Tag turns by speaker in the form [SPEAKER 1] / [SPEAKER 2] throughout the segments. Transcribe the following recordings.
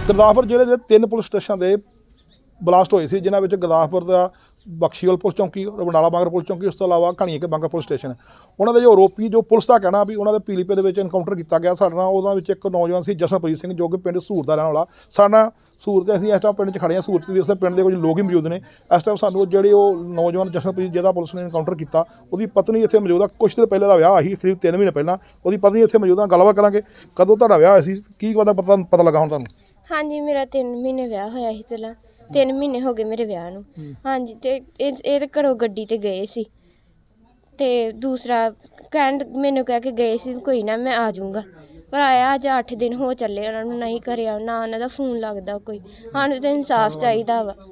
[SPEAKER 1] ਗੁਰਦਾਸਪੁਰ ਜ਼ਿਲ੍ਹੇ ਦੇ 3 ਪੁਲਿਸ ਸਟੇਸ਼ਨਾਂ ਦੇ ਬਲਾਸਟ ਹੋਏ ਸੀ, ਜਿਨ੍ਹਾਂ ਵਿੱਚ ਗੁਰਦਾਸਪੁਰ ਦਾ ਬਖਸ਼ੀਵਾਲ ਪੁਲਿਸ ਚੌਂਕੀ, ਬਰਨਾਲਾ ਬਾਂਗਰ ਪੁਲਿਸ ਚੌਂਕੀ, ਉਸ ਤੋਂ ਇਲਾਵਾ ਘਣੀਏ ਬਾਂਗਰ ਪੁਲਿਸ ਸਟੇਸ਼ਨ। ਉਹਨਾਂ ਦੇ ਜੋ ਆਰੋਪੀ, ਜੋ ਪੁਲਿਸ ਦਾ ਕਹਿਣਾ ਵੀ ਉਹਨਾਂ ਦੇ ਪੀਲੀਪੇ ਦੇ ਵਿੱਚ ਇਨਕਾਊਂਟਰ ਕੀਤਾ ਗਿਆ ਸਾਡੇ ਨਾਲ। ਉਹਨਾਂ ਵਿੱਚ ਇੱਕ ਨੌਜਵਾਨ ਸੀ ਜਸ਼ਨਪ੍ਰੀਤ ਸਿੰਘ, ਜੋ ਕਿ ਪਿੰਡ ਸੂਰਤ ਦਾ ਰਹਿਣ ਵਾਲਾ। ਸਾਡਾ ਸੂਰਤ, ਅਸੀਂ ਇਸ ਟਾਈਮ ਪਿੰਡ 'ਚ ਖੜੇ ਹਾਂ ਸੂਰਤ ਦੀ, ਉਸ ਪਿੰਡ ਦੇ ਕੁਝ ਲੋਕ ਹੀ ਮੌਜੂਦ ਨੇ ਇਸ ਟਾਈਮ। ਸਾਨੂੰ ਜਿਹੜੀ ਉਹ ਨੌਜਵਾਨ ਜਸ਼ਨਪ੍ਰੀਤ ਜਿਹਦਾ ਪੁਲਿਸ ਨੇ ਇਨਕਾਊਂਟਰ ਕੀਤਾ, ਉਹਦੀ ਪਤਨੀ ਇੱਥੇ ਮੌਜੂਦ ਆ। ਕੁਛ ਦਿਨ ਪਹਿਲਾਂ ਦਾ ਵਿਆਹ ਸੀ, ਕਰੀਬ 3 ਮਹੀਨੇ ਪਹਿਲਾਂ। ਉਹਦੀ ਪਤਨੀ ਇੱਥੇ ਮੌਜੂਦ ਆ, ਗੱਲਬਾਤ ਕਰਾਂਗੇ। ਕਦੋਂ ਤੁਹਾਡਾ ਵਿਆਹ ਹੋਇਆ ਸੀ, ਕੀ ਪਤਾ ਲੱਗਾ ਹੁਣ ਤੁਹਾਨੂੰ?
[SPEAKER 2] ਹਾਂਜੀ, ਮੇਰਾ 3 ਮਹੀਨੇ ਵਿਆਹ ਹੋਇਆ ਸੀ। ਪਹਿਲਾਂ 3 ਮਹੀਨੇ ਹੋ ਗਏ ਮੇਰੇ ਵਿਆਹ ਨੂੰ। ਹਾਂਜੀ, ਤੇ ਇਹ ਘਰੋਂ ਗੱਡੀ ਤੇ ਗਏ ਸੀ, ਤੇ ਦੂਸਰਾ ਮੈਨੂੰ ਕਹਿ ਕੇ ਗਏ ਸੀ ਕੋਈ ਨਾ ਮੈਂ ਆ ਜਾਊਂਗਾ, ਪਰ ਆਇਆ ਅੱਜ 8 ਦਿਨ ਹੋ ਚੱਲੇ, ਉਹਨਾਂ ਨੂੰ ਨਹੀਂ ਕਰਿਆ, ਨਾ ਉਹਨਾਂ ਦਾ ਫੋਨ ਲੱਗਦਾ ਕੋਈ। ਸਾਨੂੰ ਤਾਂ ਇਨਸਾਫ ਚਾਹੀਦਾ ਵਾ।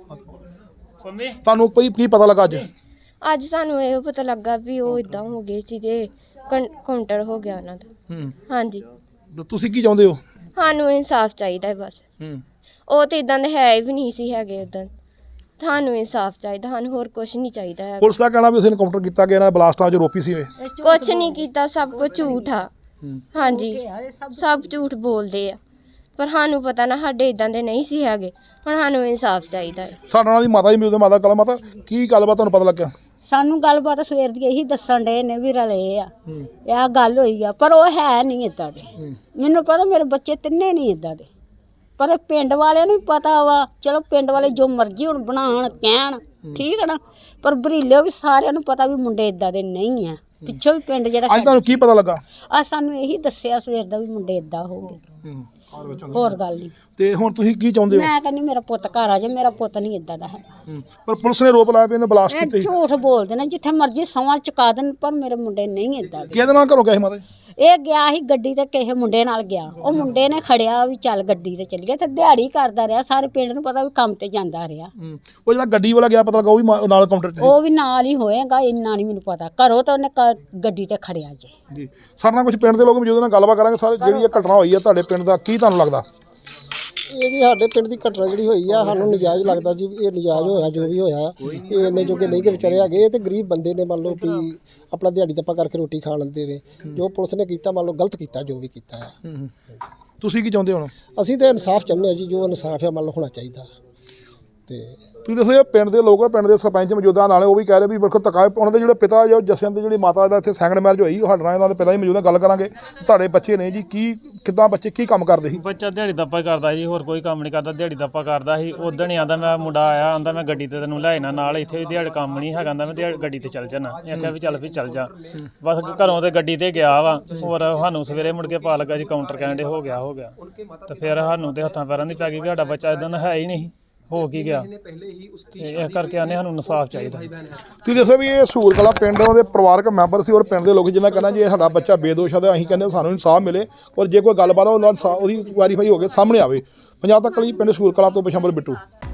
[SPEAKER 1] ਤੁਹਾਨੂੰ ਕੀ ਪਤਾ ਲੱਗਾ
[SPEAKER 2] ਅੱਜ ਸਾਨੂੰ ਇਹ ਪਤਾ ਲੱਗਾ ਵੀ ਉਹ ਇਦਾਂ ਹੋ ਗਏ ਸੀ ਤੇ ਕਾਊਂਟਰ ਹੋ ਗਿਆ ਉਹਨਾਂ ਦਾ। ਹਾਂਜੀ,
[SPEAKER 1] ਤੁਸੀਂ ਕੀ ਚਾਹੁੰਦੇ ਹੋ?
[SPEAKER 2] ਸਾਨੂੰ ਇਨਸਾਫ ਚਾਹੀਦਾ ਬਸ। ਉਹ ਤਾਂ ਇਦਾਂ ਦੇ ਹੈ ਵੀ ਨਹੀਂ ਸੀ ਹੈਗੇ ਉਦਾਂ। ਸਾਨੂੰ ਇਨਸਾਫ ਚਾਹੀਦਾ, ਸਾਨੂੰ ਹੋਰ ਕੁਛ ਨਹੀਂ ਚਾਹੀਦਾ ਹੈ।
[SPEAKER 1] ਪੁਲਿਸ ਦਾ ਕਹਿਣਾ ਵੀ ਅਸੀਂ ਇਨਕਾਊਂਟਰ ਕੀਤਾ ਗਿਆ, ਇਹਨਾਂ ਬਲਾਸਟਾਂ 'ਚ ਆਰੋਪੀ ਸੀ।
[SPEAKER 2] ਕੁਛ ਨਹੀਂ ਕੀਤਾ, ਸਭ ਕੁਝ ਝੂਠ ਆ। ਹਾਂਜੀ, ਸਭ ਝੂਠ ਬੋਲਦੇ ਆ, ਪਰ ਸਾਨੂੰ ਪਤਾ ਨਾ ਸਾਡੇ ਇਦਾਂ ਦੇ ਨਹੀਂ ਸੀ ਹੈਗੇ। ਹੁਣ ਸਾਨੂੰ ਇਨਸਾਫ ਚਾਹੀਦਾ ਹੈ।
[SPEAKER 1] ਸਾਡੇ ਨਾਲ ਦੀ ਮਾਤਾ ਜੀ ਮਿਲਦੇ, ਮਾਤਾ ਕਲਾ ਮਾਤਾ, ਕੀ ਗੱਲਬਾਤ ਤੁਹਾਨੂੰ ਪਤਾ ਲੱਗਿਆ?
[SPEAKER 3] ਸਾਨੂੰ ਗੱਲਬਾਤ ਸਵੇਰ ਦੀ ਇਹੀ ਦੱਸਣ ਡੇ ਨੇ ਵੀ ਰਲੇ ਆ, ਇਹ ਗੱਲ ਹੋਈ ਆ, ਪਰ ਉਹ ਹੈ ਨਹੀਂ ਇੱਦਾਂ ਦੇ। ਮੈਨੂੰ ਪਤਾ ਮੇਰੇ ਬੱਚੇ ਤਿੰਨੇ ਨਹੀਂ ਇੱਦਾਂ ਦੇ, ਪਰ ਪਿੰਡ ਵਾਲਿਆਂ ਨੂੰ ਪਤਾ ਵਾ। ਚਲੋ ਪਿੰਡ ਵਾਲੇ ਜੋ ਮਰਜ਼ੀ ਹੁਣ ਬਣਾਉਣ ਕਹਿਣ, ਠੀਕ ਹੈ ਨਾ, ਪਰ ਬਰੀਲੇ ਵੀ ਸਾਰਿਆਂ ਨੂੰ ਪਤਾ ਵੀ ਮੁੰਡੇ ਇੱਦਾਂ ਦੇ ਨਹੀਂ ਆ। ਪਿੱਛੋਂ ਵੀ ਪਿੰਡ ਜਿਹੜਾ
[SPEAKER 1] ਅੱਜ ਤੁਹਾਨੂੰ ਕੀ ਪਤਾ ਲੱਗਾ?
[SPEAKER 3] ਆ ਸਾਨੂੰ ਇਹੀ ਦੱਸਿਆ ਸਵੇਰ ਦਾ ਵੀ ਮੁੰਡੇ ਇੱਦਾਂ ਹੋ ਗਏ, ਹੋਰ ਗੱਲ ਨਹੀਂ।
[SPEAKER 1] ਤੇ ਹੁਣ ਤੁਸੀਂ ਕੀ ਚਾਹੁੰਦੇ ਹੋ?
[SPEAKER 3] ਮੈਂ ਕਹਿੰਦੀ ਮੇਰਾ ਪੁੱਤ ਘਰ ਆ ਜਾ, ਮੇਰਾ ਪੁੱਤ ਨਹੀਂ ਇੱਦਾਂ ਦਾ ਹੈ।
[SPEAKER 1] ਪਰ ਪੁਲਿਸ ਨੇ ਆਰੋਪ ਲਾਇਆ ਵੀ ਇਹਨੇ ਬਲਾਸਟ
[SPEAKER 3] ਇਹ
[SPEAKER 1] ਕੀਤੇ।
[SPEAKER 3] ਝੂਠ ਬੋਲਦੇ ਨੇ, ਜਿੱਥੇ ਮਰਜ਼ੀ ਸਮਾਂ ਚੁਕਾ ਦੇਣ, ਪਰ ਮੇਰੇ ਮੁੰਡੇ ਨਹੀਂ ਇੱਦਾਂ ਦੇ।
[SPEAKER 1] ਕਿਹਦੇ ਨਾਲ ਘਰੋਂ ਗਏ ਸੀ ਮਾਤਾ ਜੀ?
[SPEAKER 3] ਇਹ ਗਿਆ ਸੀ ਗੱਡੀ ਤੇ, ਕਿਸੇ ਮੁੰਡੇ ਨਾਲ ਗਿਆ। ਉਹ ਮੁੰਡੇ ਨੇ ਖੜਿਆ ਵੀ ਚੱਲ ਗੱਡੀ ਤੇ ਚੱਲੀਏ, ਤੇ ਦਿਹਾੜੀ ਕਰਦਾ ਰਿਹਾ। ਸਾਰੇ ਪਿੰਡ ਨੂੰ ਪਤਾ ਵੀ ਕੰਮ ਤੇ ਜਾਂਦਾ ਰਿਹਾ।
[SPEAKER 1] ਉਹ ਜਿਹੜਾ ਗੱਡੀ ਵਾਲਾ ਗਿਆ, ਪਤਾ ਲੱਗਾ ਉਹ ਵੀ ਨਾਲ ਕਾਊਂਟਰ ਤੇ?
[SPEAKER 3] ਉਹ ਵੀ ਨਾਲ ਹੀ ਹੋਏਗਾ, ਇੰਨਾ ਨਹੀਂ ਮੈਨੂੰ ਪਤਾ। ਘਰੋਂ ਤਾਂ ਉਹਨੇ ਗੱਡੀ ਤੇ ਖੜਿਆ
[SPEAKER 1] ਜੀ। ਸਾਡੇ ਨਾਲ ਕੁਝ ਪਿੰਡ ਦੇ ਲੋਕ ਮੌਜੂਦ ਨੇ, ਗੱਲਬਾਤ ਕਰਾਂਗੇ। ਸਾਰੇ ਜਿਹੜੀ ਇਹ ਘਟਨਾ ਹੋਈ ਹੈ ਤੁਹਾਡੇ ਪਿੰਡ ਦਾ, ਕੀ ਤੁਹਾਨੂੰ ਲੱਗਦਾ?
[SPEAKER 4] ਇਹ ਜੀ ਸਾਡੇ ਪਿੰਡ ਦੀ ਘਟਨਾ ਜਿਹੜੀ ਹੋਈ ਆ, ਸਾਨੂੰ ਨਜਾਇਜ਼ ਲੱਗਦਾ ਜੀ। ਇਹ ਨਜਾਇਜ਼ ਹੋਇਆ ਜੋ ਵੀ ਹੋਇਆ। ਇਹ ਇੰਨੇ ਜੋਗੇ ਨਹੀਂ ਕਿ ਵਿਚਾਰੇ ਹੈਗੇ, ਇਹ ਤੇ ਗਰੀਬ ਬੰਦੇ ਨੇ, ਮੰਨ ਲਓ ਵੀ ਆਪਣਾ ਦਿਹਾੜੀ ਦੱਪਾ ਕਰਕੇ ਰੋਟੀ ਖਾ ਲੈਂਦੇ ਨੇ। ਜੋ ਪੁਲਿਸ ਨੇ ਕੀਤਾ, ਮੰਨ ਲਓ ਗਲਤ ਕੀਤਾ ਜੋ ਵੀ ਕੀਤਾ ਆ।
[SPEAKER 1] ਤੁਸੀਂ ਕੀ ਚਾਹੁੰਦੇ ਹੋ?
[SPEAKER 4] ਅਸੀਂ ਤਾਂ ਇਨਸਾਫ ਚਾਹੁੰਦੇ ਹਾਂ ਜੀ, ਜੋ ਇਨਸਾਫ ਹੈ ਮੰਨ ਲਓ ਹੋਣਾ ਚਾਹੀਦਾ। ਤੇ
[SPEAKER 1] ਤੁਸੀਂ ਦੱਸੋ, ਪਿੰਡ ਦੇ ਲੋਕ, ਪਿੰਡ ਦੇ ਸਰਪੰਚ ਮੌਜੂਦਾ ਨਾਲੇ, ਉਹ ਵੀ ਕਹਿ ਰਹੇ ਵੀ ਵੇਖੋ ਧੱਕਾ। ਉਹਨਾਂ ਦੇ ਜਿਹੜੇ ਪਿਤਾ ਜੋ ਜਸ਼ਨ ਦੀ ਜਿਹੜੀ ਮਾਤਾ ਦਾ ਇੱਥੇ ਸੈਕੰਡ ਮੈਰਿਜ ਹੋਈ, ਉਹ ਸਾਡੇ ਨਾਲ ਇਹਨਾਂ ਦੇ ਪਿਤਾ ਹੀ ਮੌਜੂਦਾ। ਗੱਲ ਕਰਾਂਗੇ। ਤੁਹਾਡੇ ਬੱਚੇ ਨੇ ਜੀ, ਕਿੱਦਾਂ ਬੱਚੇ ਕੀ ਕੰਮ ਕਰਦੇ ਸੀ?
[SPEAKER 5] ਬੱਚਾ ਦਿਹਾੜੀ ਦੱਪਾ ਕਰਦਾ ਜੀ, ਹੋਰ ਕੋਈ ਕੰਮ ਨਹੀਂ ਕਰਦਾ। ਦਿਹਾੜੀ ਦੱਪਾ ਕਰਦਾ ਸੀ। ਉਦਣ ਹੀ ਆਂਦਾ ਮੈਂ ਮੁੰਡਾ ਆਇਆ, ਆਂਦਾ ਮੈਂ ਗੱਡੀ ਤੇ ਤੈਨੂੰ ਲੈ ਜਾਣਾ ਨਾਲ, ਇੱਥੇ ਵੀ ਦਿਹਾੜੀ ਕੰਮ ਨਹੀਂ ਹੈਗਾ, ਆਂਦਾ ਮੈਂ ਗੱਡੀ ਤੇ ਚੱਲ ਜਾਣਾ। ਇਹ ਆਖਿਆ ਵੀ ਚੱਲ ਵੀ ਚੱਲ ਜਾ। ਬਸ ਘਰੋਂ ਤੇ ਗੱਡੀ ਤੇ ਗਿਆ ਵਾ। ਹੋਰ ਸਾਨੂੰ ਸਵੇਰੇ ਮੁੜ ਕੇ ਪਾ ਲੱਗਾ ਜੀ ਕਾਊਂਟਰ ਕਹਿੰਦੇ ਹੋ ਗਿਆ ਤੇ ਫਿਰ ਸਾਨੂੰ ਤੇ ਹੱਥਾਂ ਪੈਰਾਂ ਦੀ ਪੈ ਗਈ ਵੀ ਸਾਡਾ ਬੱਚਾ ਇਦਾਂ ਦਾ ਹੈ ਹੀ ਨਹੀਂ, ਹੋ ਕੀ ਗਿਆ। ਇਸ ਕਰਕੇ ਆਨੇ ਸਾਨੂੰ ਇਨਸਾਫ ਚਾਹੀਦਾ।
[SPEAKER 1] ਤੁਸੀਂ ਦੱਸੋ ਵੀ ਇਹ ਸੂਰ ਕਲਾ ਪਿੰਡ ਦੇ ਪਰਿਵਾਰਕ ਮੈਂਬਰ ਸੀ, ਔਰ ਪਿੰਡ ਦੇ ਲੋਕ ਜਿਹਨਾਂ ਕਹਿਣਾ ਜੀ ਇਹ ਸਾਡਾ ਬੱਚਾ ਬੇਦੋਸ਼ ਹੈ, ਤੇ ਅਸੀਂ ਕਹਿੰਦੇ ਸਾਨੂੰ ਇਨਸਾਫ ਮਿਲੇ, ਔਰ ਜੇ ਕੋਈ ਗੱਲਬਾਤ ਉਹਦੀ ਵੈਰੀਫਾਈ ਹੋ ਕੇ ਸਾਹਮਣੇ ਆਵੇ। ਪੰਜਾਬ ਤੱਕ ਲਈ ਪਿੰਡ ਸੂਰ ਕਲਾ ਤੋਂ ਬਿਸ਼ੰਬਰ ਬਿੱਟੂ।